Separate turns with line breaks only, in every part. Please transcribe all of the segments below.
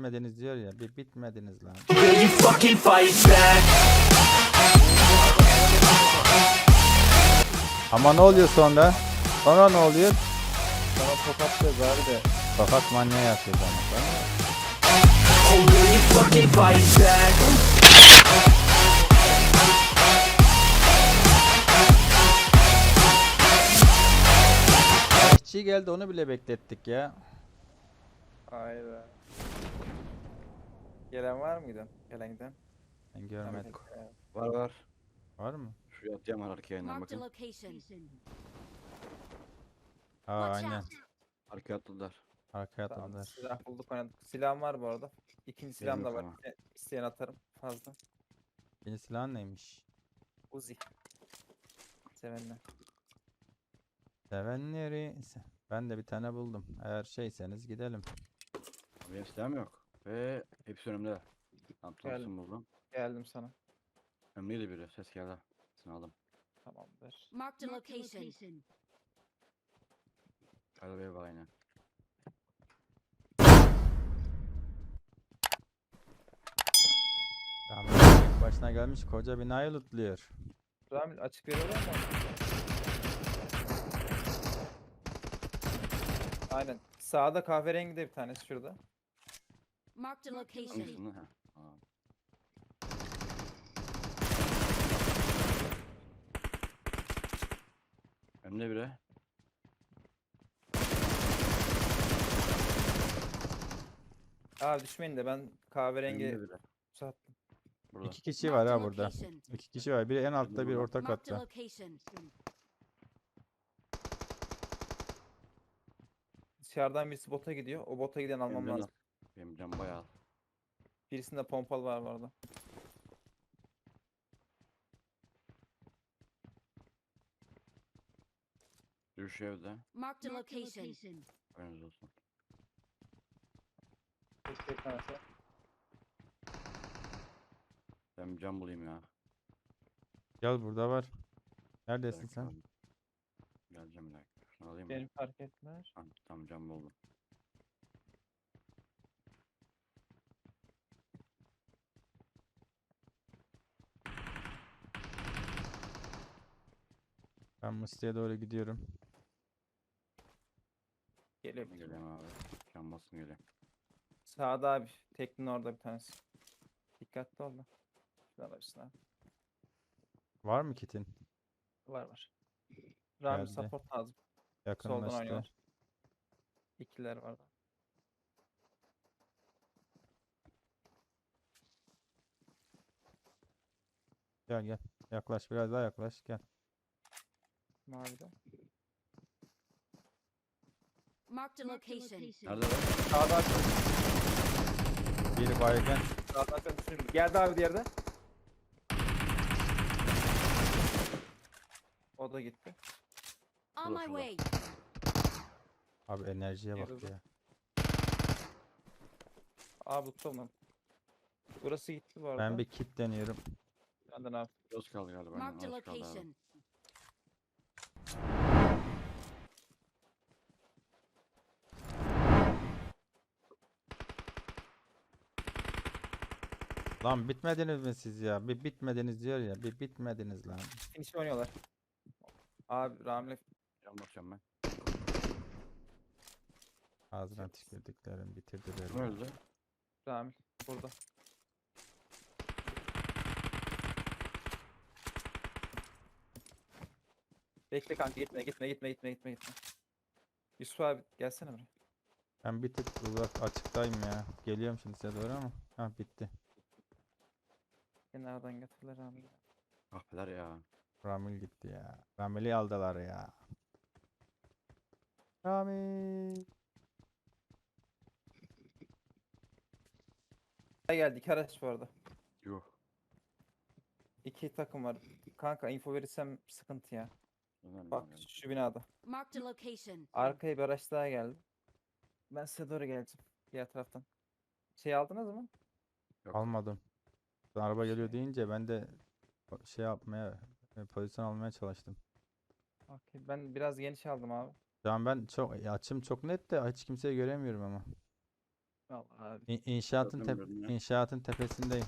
bitmediniz diyor ya. Bir bitmediniz lan.
Will you fucking fight back?
Ama ne oluyor sonra? Sonra ne oluyor?
Sana tokatlıyoruz abi de.
Fakat manyağı yapıyor bana.
Oh, will you fucking fight back?
İşçi geldi, onu bile beklettik ya.
Hayda. Gelen var mıydı? Gelen giden.
Ben görmedim.
Var var.
Var mı?
Şu atacağım arkaya yeniden
Marked a
bakın.
location.
Ha
Watch
aynen.
out.
Arkaya atladılar.
Arkaya
Tamam,
atladılar.
silah bulduk oynadık. Silahım var bu arada. İkinci silahım da var.
tamam.
İsteyen atarım. Fazla.
Yeni silah neymiş?
Uzi. Sevenler.
Sevenleri. Ben de bir tane buldum. Eğer şeyseniz gidelim.
Benim silahım yok. Ve hepsi önümde. Tam
Geldim.
Thompson buldum.
Geldim sana.
Önümdeydi biri. Ses geldi. Seni aldım.
Tamamdır.
Marked a location.
Arabaya bak aynen.
Rahmetli başına gelmiş koca binayı lootluyor.
Ramil açık veriyorlar mı? Aynen. Sağda kahverengi de bir tanesi şurada.
Marked a location.
Thompson'ı ha. Aa. Önümde biri.
Abi düşmeyin de ben kahverengi
Önümde biri.
sattım.
Burada.
İki kişi var
Marked a
ha burada.
location.
İki kişi var. Biri en altta, biri orta
Marked a
katta.
location.
Dışarıdan birisi bota gidiyor. O bota giden almam
Benim
lazım.
canım- Benim canım bayağı.
Birisinde pompalı var bu arada.
Yürüyüş evde.
Marked a location.
Önünüz olsun.
Bir tanesi.
Ben bir cam bulayım ya.
Gel, burada var. Neredesin
dakika
sen?
abi. Geleceğim bir dakika. Şunu alayım mı?
Beni fark ettiler.
Tam cam buldum.
Ben Musti'ye doğru gidiyorum.
Geliyor.
Geleyim abi. Cam basın geleyim.
Sağda abi. Teknin orada bir tanesi. Dikkatli ol da. Şuradan alırsın abi.
Var mı kitin?
Var var. Ramil
Geldi.
support lazım. Soldan
Yakınlaştı.
oynuyorlar. İkiler var da.
Gel gel. Yaklaş, biraz daha yaklaş. Gel.
Mavide.
Marked a location.
Nerede var?
Sağda açın.
Biri baygın.
Sağda açın. Şimdi geldi abi diğerde. O da gitti.
On my
Şurada.
way.
Abi enerjiye bak
Yürü.
ya.
Abi tutalım. Burası gitti bu arada.
Ben bir kit deniyorum.
Benden abi.
Yoz kaldı galiba. Aynen,
Marked a
yoz kaldı abi.
location.
Lan bitmediniz mi siz ya? Bir bitmediniz diyor ya. Bir bitmediniz lan.
Finish oynuyorlar. Abi Ramil
Cam basacağım ben.
Ağzına tükürdüklerim bitirdiler.
Kim öldü?
Ramil burada. Bekle kanka gitme. Yusuf abi gelsene buraya.
Ben bir tık uzak açıktayım ya. Geliyorum şimdi size doğru ama. Ha bitti.
Kenardan getirdiler Ramil.
Kahpeler ya.
Ramil gitti ya. Ramil'i aldılar ya. Ramil.
Geldik araç bu arada.
Yuh.
İki takım var. Kanka info verirsem sıkıntı ya.
Ömer
Bak
geldi.
şu binada.
Marked a location.
Arkaya bir araç daha geldi. Ben size doğru geleceğim. Diğer taraftan. Şey aldınız mı?
Yok.
Almadım. Araba geliyor
Şey.
deyince ben de şey yapmaya, pozisyon almaya çalıştım.
Okey. Ben biraz geniş aldım abi.
Şu an ben çok açım çok net de hiç kimseyi göremiyorum ama.
Vallahi abi.
Zaten
İnşaatın tepesindeyim.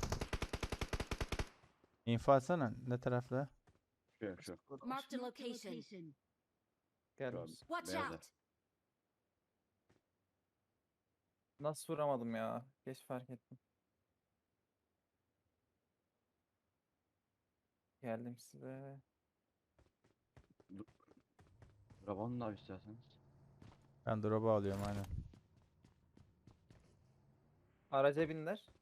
İnfo atsana. Ne tarafta?
Şu.
Marked a location.
Gelmiş.
Watch
Beyazı.
out.
Nasıl vuramadım ya? Geç fark ettim. Geldim size.
Rabanı da abi isterseniz.
Ben drop'u alıyorum aynen.
Araca binler.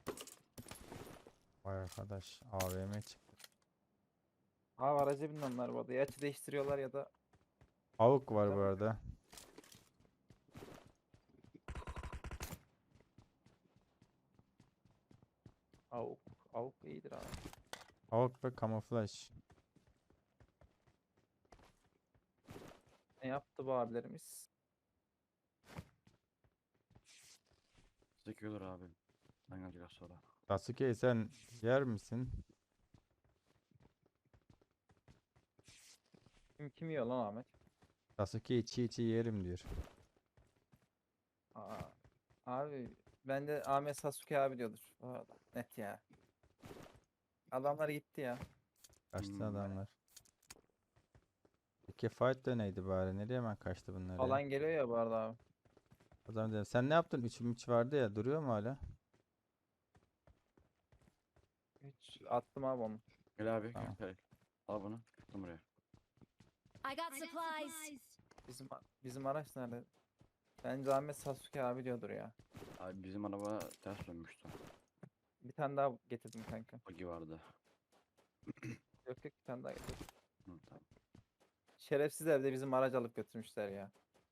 Vay arkadaş. AVM çıktı.
Abi araca bindi onlar bu arada. Ya açı değiştiriyorlar ya da
Avuk var bu arada.
avuk. Avuk iyidir abi.
Avuk ve kamuflaj.
Ne yaptı bu abilerimiz?
Sekiyorlar abi. Ben gelecek az sonra.
Sasuke sen yer misin?
Kim yiyor lan Ahmet?
Sasuke çiğ çiğ yerim diyor.
Aa, abi ben de Ahmet Sasuke abi diyordur. Bu arada. Net ya. Adamlar gitti ya.
Kaçtı
Hmm.
adamlar. Peki fight da neydi bari? Nereye hemen kaçtı bunlar ya?
Alan geliyor ya bu arada abi.
O zaman dedim, sen ne yaptın? 3 vardı ya. Duruyor mu hala?
Hiç attım abi onu.
Gel abi.
Tamam.
Gel. Al bunu. Tuttum buraya.
I got supplies.
Bizim araç nerede? Bence Ahmet Sasuke abi diyordur ya.
Abi bizim araba ters dönmüştü.
Bir tane daha getirdim kanka.
Buggy vardı.
Yok bir tane daha getirdim.
Hı, tamam.
Şerefsizler de bizim aracı alıp götürmüşler ya.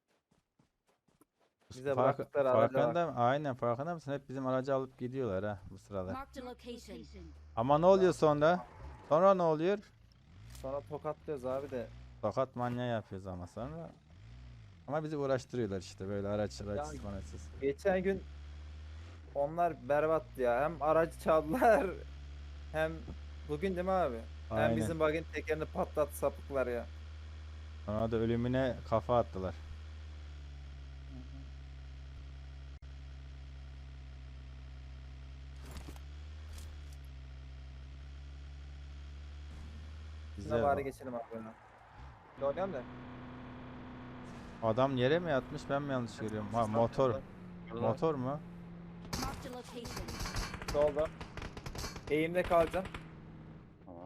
Bize
Fark-
bıraktıkları araca bak.
farkında aynen farkında mısın? Hep bizim aracı alıp gidiyorlar ha bu sıralar.
Marked a location.
Ama ne oluyor sonra? Sonra ne oluyor?
Sonra tokatlıyoruz abi de.
Tokat manyağı yapıyoruz ama sonra. Ama bizi uğraştırıyorlar işte böyle araçsız maraçsız.
Geçen gün onlar berbat ya. Hem aracı çaldılar hem bugün değil mi abi? Hem
Aynen.
bizim bug'in tekerini patlattı sapıklar ya.
Sonra da ölümüne kafa attılar.
Size
Bize
bari geçelim abi böyle. Ne oynayalım da.
adam yere mi yatmış ben mi yanlış görüyorum? Ha motor. Motor mu?
Marked a location.
Solda. Eğimde kalacağım.
Tamam.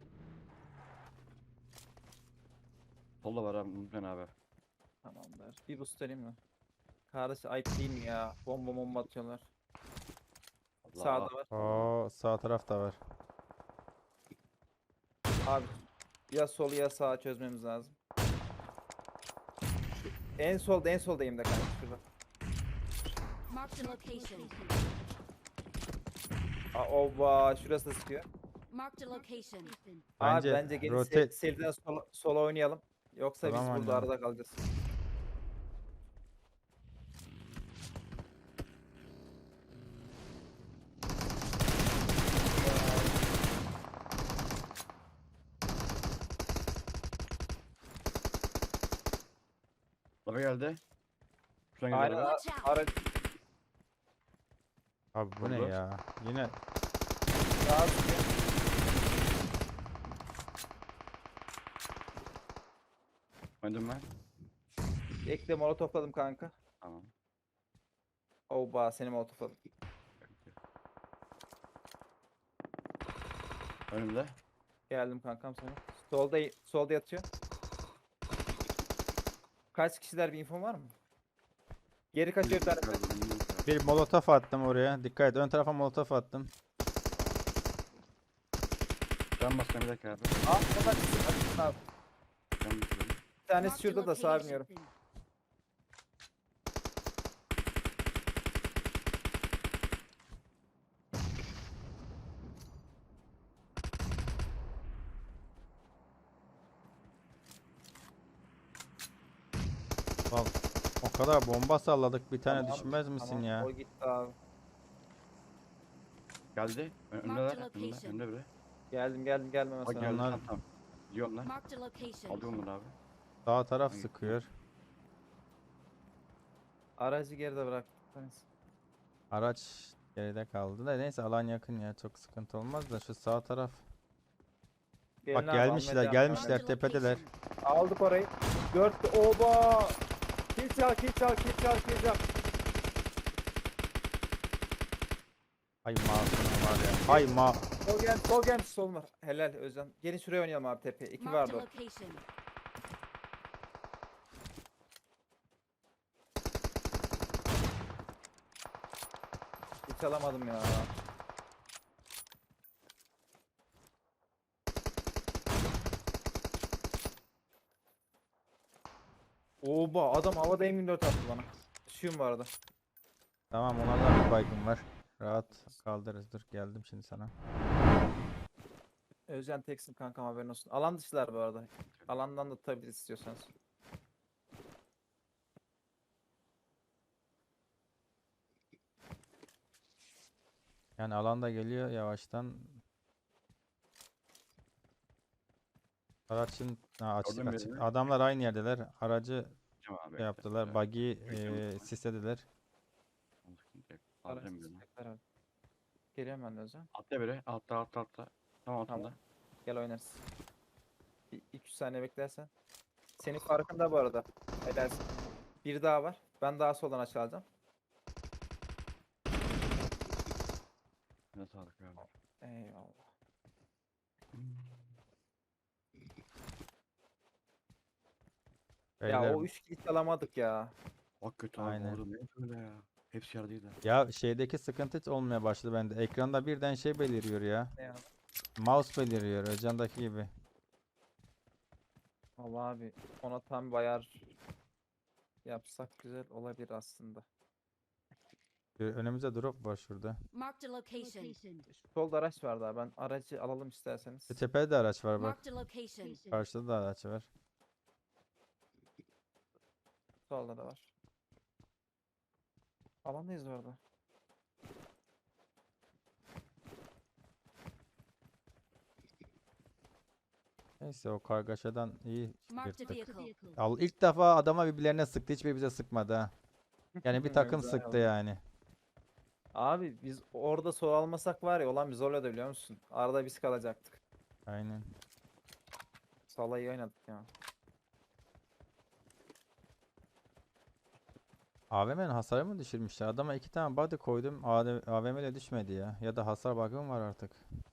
Solda var abi. Unutmayın abi.
Tamamdır. Bir boost vereyim mi? Kardeş ayıp değil mi ya? Bomba atıyorlar.
Allah.
Sağda var.
Oo sağ tarafta var.
Abi ya solu ya sağı çözmemiz lazım. En soldayım da kanka şurada.
Marked a location.
Ova şurası da sıkıyor.
Marked a location.
Abi
Bence
bence gelin
rotate-
seriden sola oynayalım. Yoksa biz
Tamam
burada
anne.
arada kalacağız.
Araba geldi. Şuradan
Aynen
gidiyor araba.
Watch out.
ara
Abi bu ne
Vurdu.
ya? Yine
sağa sıkıyor.
Öndüm ben.
Ekle molotofladım kanka.
Tamam.
Oba seni molotofladım.
Önümde.
Geldim kankam sana. Solda yatıyor. Kaç kişiler bir infon var mı? Geri kaçıyor bir tane.
bir molotof attım oraya. Dikkat et ön tarafa molotof attım.
Can baskan bir dakika abi.
Bunlar çıksın abi.
Can basıyorum.
Bir tanesi
Marked a
şurada da sağa
location.
biniyorum.
Bak o kadar bomba salladık bir tane
Tamam,
düşmez misin
tamam,
ya?
O gitti abi.
Geldi. Önümde
Marked
var.
a
Önümde.
location.
Önümde biri.
Geldim gelmeme
Bak
sana.
geldi.
Onlar-
Tamam tamam. Gidiyor onlar.
Marked a location.
Alıyorum bunu abi.
Sağ taraf
Hangi-
sıkıyor.
Aracı geride bıraktık. Tanesi.
Araç geride kaldı da neyse alan yakın ya çok sıkıntı olmaz da şu sağ taraf.
Gelin
Bak
abi, almaya
gelmişler
devam.
gelmişler
Marked a
tepedeler.
location.
Aldık orayı. 4 oba. Kill çal, kill çal, kill çal, kill çal.
Ay masum var ya. Ay ma.
Sol gelmiş, sol var. Helal Özcan. Gelin şuraya oynayalım abi tepeye. 2
Marked
vardı
a
orada.
location.
Hiç alamadım ya. Oba adam havada M24 attı bana. Düşüyorum bu arada.
Tamam onlardan bir baygın var. Rahat kaldırırız. Dur geldim şimdi sana.
Özcan teksin kankam, haberin olsun. Alan dışılar bu arada. Alandan da tutabiliriz istiyorsanız.
Yani alanda geliyor yavaştan. Araçın açık
Gördün
açık.
birini.
Adamlar aynı yerdeler. Aracı
Tamam abi.
şey yaptılar. Buggy'i
Bekliyorum.
sislediler.
Alacağım birini.
Araç abi. Geliyorum ben de Özcan.
Atla biri. Atla. Tam altında.
Tamam. Gel oynarız. 2-3 saniye beklersen. Senin farkında bu arada. Helalsin. Bir daha var. Ben daha soldan açılacağım.
Ne sağlık abi.
Eyvallah. Ya
Beyler,
o 3 kilit alamadık ya.
Bak kötü abi.
Aynen.
Orada ne böyle ya. Hepsi yerdeydi.
ya şeydeki sıkıntı hiç olmaya başladı bende. Ekranda birden şey beliriyor ya.
Ne ya?
Mouse beliriyor. Özcan'daki gibi.
Allah abi ona tam bayar yapsak güzel olabilir aslında.
Önümüzde drop var şurada.
Marked a location.
Şu solda araç var daha, ben aracı alalım isterseniz.
Şu tepede de araç var bak.
Marked a location.
Karşıda da araç var.
Solda da var. Alandayız orada.
Neyse o kargaşadan iyi
Marked a
yırttık.
vehicle.
İlk defa adama birbirlerine sıktı. Hiçbir bize sıkmadı ha. Yani bir takım
Güzel
sıktı
oldu.
yani.
Abi biz orada sol almasak var ya, olan biz zorladı biliyor musun? Arada biz kalacaktık.
Aynen.
Sola iyi oynadık ya.
AVM'nin hasarı mı düşürmüşler? Adama 2 tane body koydum. AVM ile düşmedi ya. Ya da hasar bug'ı mı var artık?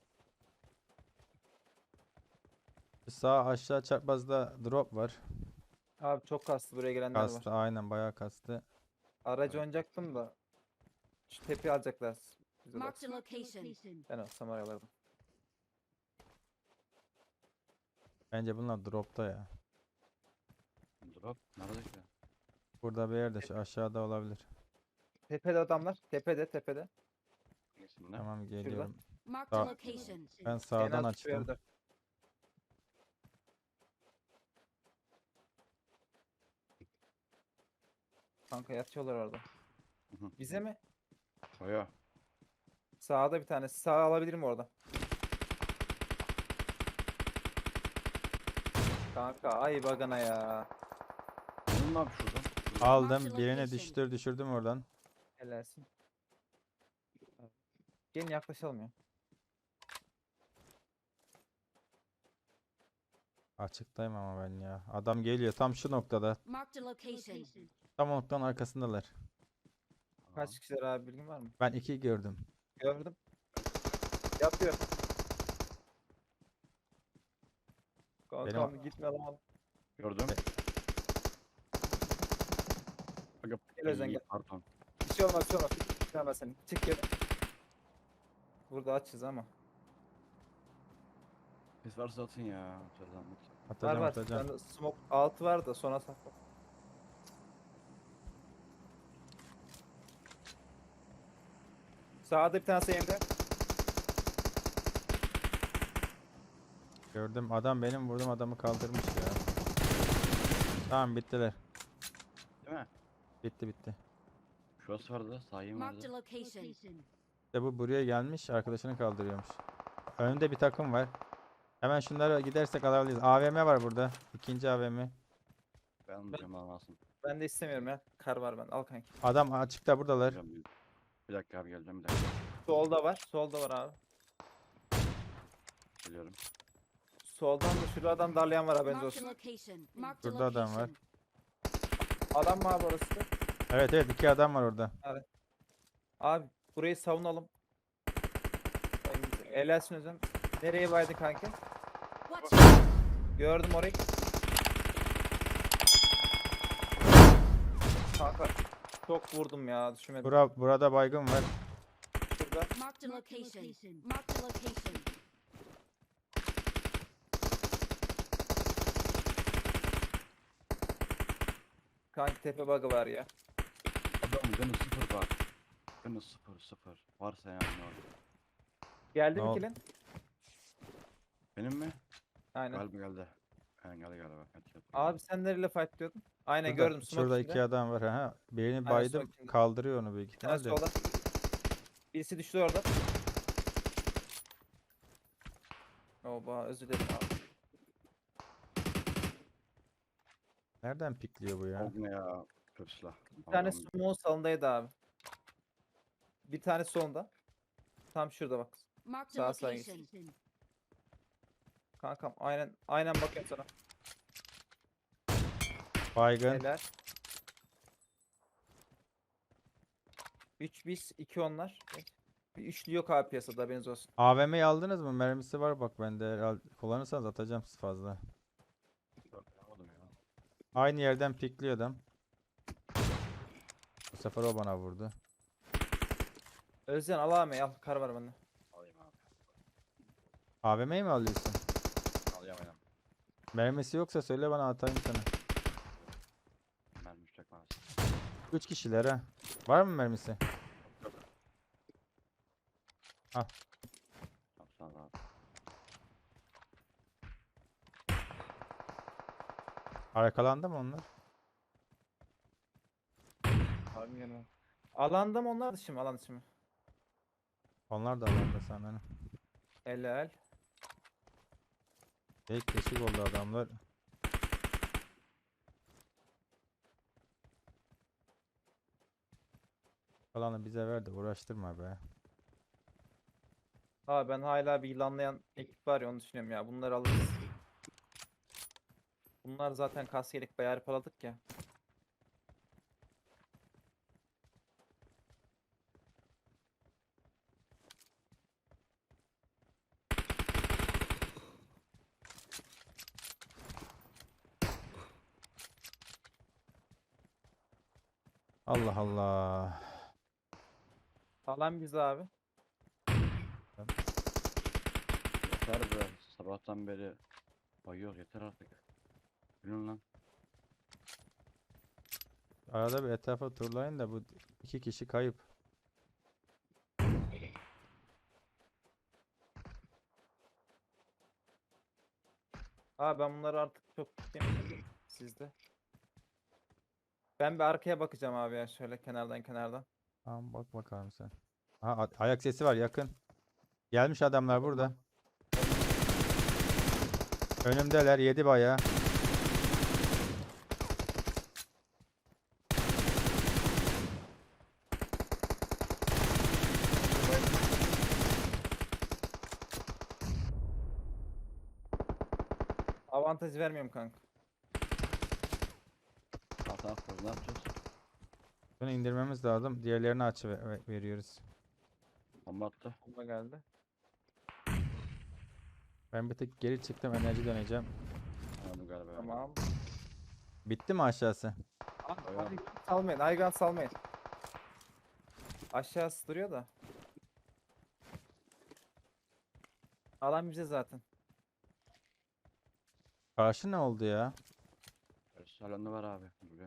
Şu sağ aşağı çaprazda drop var.
Abi çok kastı, buraya gelenler var.
Kastı aynen bayağı kastı.
Aracı oynayacaktım da. Şu tepeyi alacaklar. Bize
Marked a
baksın.
location.
Ben olsam aralardım.
Bence bunlar dropta ya.
Drop. Nerede ki?
Burada bir yerde şu aşağıda olabilir.
Tepede adamlar. Tepede.
Hangisinde?
Tamam geliyorum.
Marked a
Sağ-
location.
Ben
En
sağdan
az şuraya
açtım.
dön. Kanka yatıyorlar orada.
Hı hı.
Bize mi?
Oya.
Sağda bir tanesi. Sağ alabilirim orada. Kanka ay bagana ya.
Bunun ne abi şuradan?
Aldım.
Marked
Birini
location.
düşürdüm oradan.
Helalsin. Gelin yaklaşalım ya.
Açıktayım ama ben ya. Adam geliyor tam şu noktada.
Marked a location.
Tam o noktanın arkasındalar.
Kaç kişiler abi, bilgin var mı?
Ben 2 gördüm.
Gördüm. Yapıyor. Kankam gitme lan.
Gördüm. Aga,
Gel Özden,
iyi,
gel.
Pardon.
Bir şey olmaz, bir şey olmaz. Gitmem seni. Çık gel. Burada açız ama.
Biz varsa atın ya. Şuradan
Var
Atacağım
var.
atacağım.
Ben smoke altı var da sona sakla. Sağda bir tanesi elimde.
Gördüm. Adam benim vurdum adamı kaldırmış ya. Tamam bittiler.
Değil mi?
Bitti.
Şurası vardı. Sahim
Marked a
vardı.
location.
İşte bu buraya gelmiş arkadaşını kaldırıyormuş. Önünde bir takım var. Hemen şunlara gidersek alabiliriz. AVM var burada. İkinci AVM.
Ben almayacağım lan alsın.
Ben de istemiyorum ya. Kar var ben. Al kanki.
Adam açıkta buradalar.
Alacağım Bir dakika abi geleceğim bir dakika.
Solda var. Solda var abi.
Geliyorum.
Soldan da şurada adam darlayan var haberiniz
Marked a
olsun.
location. Marked a
Burada adam var.
location.
Adam mı abi orası?
Evet evet, 2 adam var orada.
Abi burayı savunalım. Helalsin Özlem. Nereye baydın kanki?
Watch out!
Gördüm orayı. Kanka çok vurdum ya düşmedim.
Burada baygın var.
Şurada.
Marked a location. Marked a location.
Kanki tepe bug'ı var ya.
Adam canı 0 var. Canı 0. Varsa yani orada.
Geldi
Ne
mi
oldu?
kilin?
Benim mi?
Aynen.
Galiba geldi. Aynen geldi galiba.
Abi sen nereyle fight diyordun? Aynen
Şurada,
gördüm. Smoke
şurada
içinde.
2 adam var. Ha. Birini
Aynen,
baydım,
smoke içinde.
kaldırıyor onu büyük
Bir tane
ihtimalle.
solda. Birisi düştü orada. Oba özür dilerim abi.
Nereden pikliyor bu ya?
Oldu ne ya? Kötü silah.
Bir tane
Allah'ım.
smoke salındaydı abi. Bir tane solunda. Tam şurada bak.
Marked
Sağ
a
sağa git.
location.
Kankam aynen bakıyorum sana.
Baygın.
Helal. 3 biz 2 onlar. Bir üçlü yok abi piyasada haberiniz olsun.
AVM'yi aldınız mı? Mermisi var bak bende. Kullanırsanız atacağım fazla.
Yapamadım ya.
Aynı yerden pikliyor adam. Bu sefer o bana vurdu.
Özcan al abi al. Kar var bende.
Alayım abi.
AVM'yi mi alıyorsun?
Alayım aynen.
Mermisi yoksa söyle bana atayım sana.
Mermi uçacak maalesef.
3 kişiler ha. Var mı mermisi?
Yok.
Al.
Tamam sağ ol abi.
Arkalandı mı onlar?
Abi yanıma. Alanda mı onlar dışı mı? Alan dışı mı?
Onlar da alanda sanırım.
Helal.
Tek keşik oldu adamlar. Alanı bize ver de uğraştırma be.
Abi ben hala bir yılanlayan ekip var ya onu düşünüyorum ya. Bunları alırız. Bunlar zaten kaskelik bayağı hırpaladık ya.
Allah Allah.
Alan biz abi.
Yeter be. Sabahtan beri bayıyor yeter artık. Gülün lan.
Arada bir etrafa turlayın da bu 2 kişi kayıp.
Abi ben bunları artık çok tutayım. Sizde. Ben bir arkaya bakacağım abi ya şöyle kenardan.
Tamam bak bakalım sen. Aha, ayak sesi var yakın. Gelmiş adamlar burada. Önümdeler, yedi bayağı.
Avantaj vermiyorum kanka.
Hata yapıyoruz ne yapacağız?
Bunu indirmemiz lazım. Diğerlerini veriyoruz.
Bomba attı.
Bomba geldi.
Ben bir tık geri çıktım, enerji döneceğim.
Anladım galiba.
Tamam.
Bitti mi aşağısı?
Abi,
Aynen.
hayvan salmayın. Hayvan salmayın. Aşağısı duruyor da. Alan bize zaten.
Karşı ne oldu ya?
Salonda var abi. Buraya.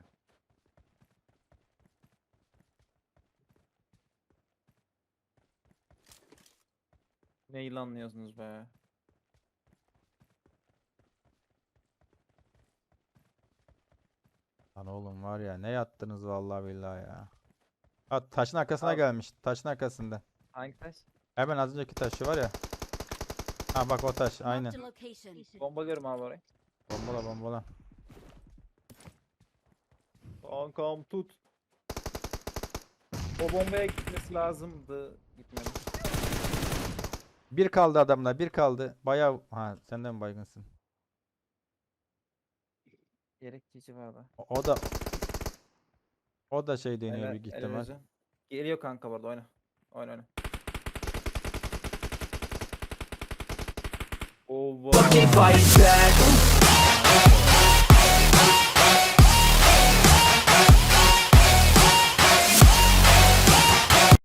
Ne yılanlıyorsunuz be.
Lan oğlum var ya, ne yattınız vallahi billahi ya. Ha, taşın arkasına
Abi.
gelmiş. Taşın arkasında.
Hangi taş?
Hemen az önceki taşı var ya. Ha bak o taş aynen.
Marked a location.
Bombalıyorum abi orayı.
Bombala bombala.
Kankam tut. O bombaya gitmesi lazımdı. Gitmedi.
Bir kaldı adamlar, bir kaldı. Bayağı ha senden mi baygınsın?
Gerekçici vardı.
O da şey deniyor
Helal-
büyük
helal
ihtimal.
olsun. Geliyor kanka bu arada oyna. Oyna oyna.
Fucking fight back.